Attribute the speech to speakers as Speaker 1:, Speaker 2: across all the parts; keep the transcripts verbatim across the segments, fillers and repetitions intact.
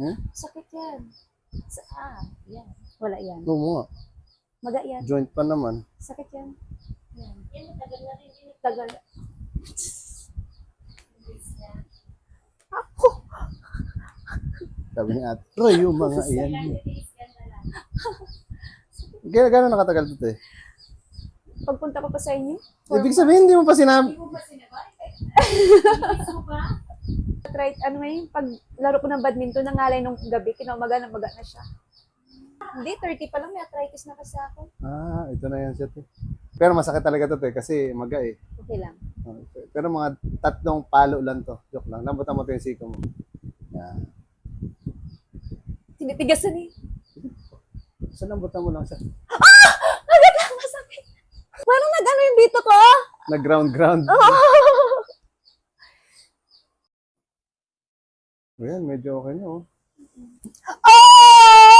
Speaker 1: Hmm?
Speaker 2: Sakit yan. Sa, ah, yan. Wala yan.
Speaker 1: Oo nga.
Speaker 2: Maga yan.
Speaker 1: Joint pa naman.
Speaker 2: Sakit yan. Yan. Yan, tagal na rin. Tagal. Ako!
Speaker 1: Sabi ni ate, Roy, yung mga iyan. Kaya gano'n nakatagal ito eh?
Speaker 2: Pagpunta ko pa sa inyo?
Speaker 1: Ibig sabihin, hindi mo pa sinabi.
Speaker 2: Try, ano ngayon, pag laro ko ng badminton, nangalay nung gabi, kinaumaga na maga na siya. Hindi, thirty pa lang, may arthritis na kasi ako.
Speaker 1: Ah, ito na yan siya. Te. Pero masakit talaga ito eh, kasi maga eh.
Speaker 2: Okay lang.
Speaker 1: Okay. Pero mga tatlong palo lang to. Joke lang. Lambutan mo ito yung siko mo. Yan.
Speaker 2: Tinitigasan eh.
Speaker 1: So, lambutan mo lang siya.
Speaker 2: Ah! Agad lang, masakit. Parang nag-ano yung dito ko.
Speaker 1: Nag-ground-ground.
Speaker 2: Oh!
Speaker 1: Ayan, medyo okay na oh.
Speaker 2: Oh!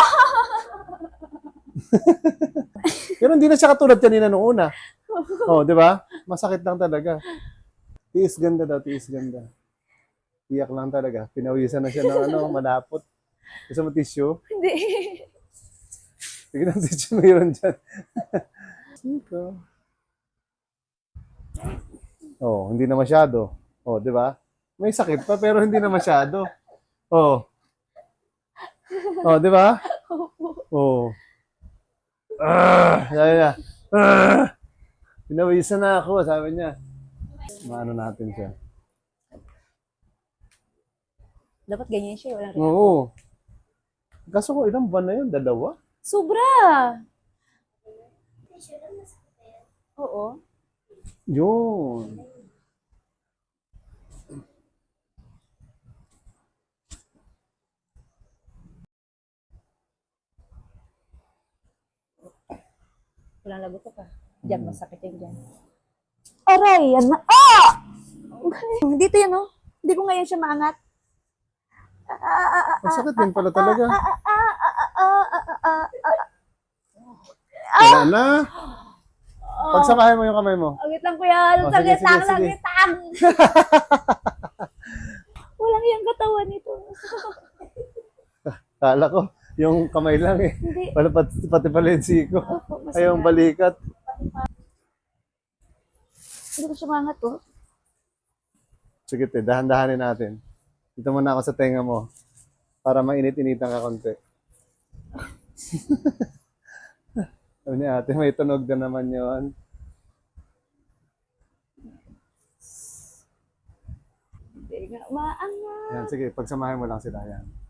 Speaker 1: Pero hindi na siya katulad kanina nung una. Oh, di ba? Masakit lang talaga. Tiis ganda daw, tiis ganda. Iyak lang talaga. Pinawisan na siya ng ano, malapot. Gusto mo tissue?
Speaker 2: Hindi.
Speaker 1: Sige ng tissue mayroon dyan. Siko. Oh, hindi na masyado. Oh, di ba? May sakit pa pero hindi na masyado. Oh. Oh, di ba? Oh. Ah, sabi niya. Ah, pinawisan na ako, sabi niya. Maano natin siya.
Speaker 2: Dapat ganyan siya, walang reaction.
Speaker 1: Oo. Kaso ko, ilang buwan na yun? Dalawa?
Speaker 2: Sobra! Oo.
Speaker 1: Yun.
Speaker 2: Walang lagot ka. Diyan, masakit yan dyan. Aray, yan na. Ah! Dito yan, oh. Hindi ko ngayon siya maangat. Ah, ah, ah, ah,
Speaker 1: Masakit din pala talaga.
Speaker 2: ah, ah, ah, ah, ah, ah.
Speaker 1: Wala na. Pagsamahin mo yung kamay mo.
Speaker 2: Agit lang kuya.
Speaker 1: Oh, sige,
Speaker 2: Sagitang,
Speaker 1: sige, sige.
Speaker 2: sagitang. Walang yung katawan nito.
Speaker 1: Kala ko, yung kamay lang eh.
Speaker 2: Hindi.
Speaker 1: Wala pati, pati pala yung siko.
Speaker 2: Opo, masakit.
Speaker 1: Ay, yung balikat.
Speaker 2: Hindi ko siya maangat, oh.
Speaker 1: Sige, te, dahan-dahanin natin. Dito muna ako sa tenga mo. Para mainit-initan ka konti. Sabi ni ate, may tunog na naman yon.
Speaker 2: Hindi nga maangat.
Speaker 1: Yan, sige, pagsamahin mo lang sila yan.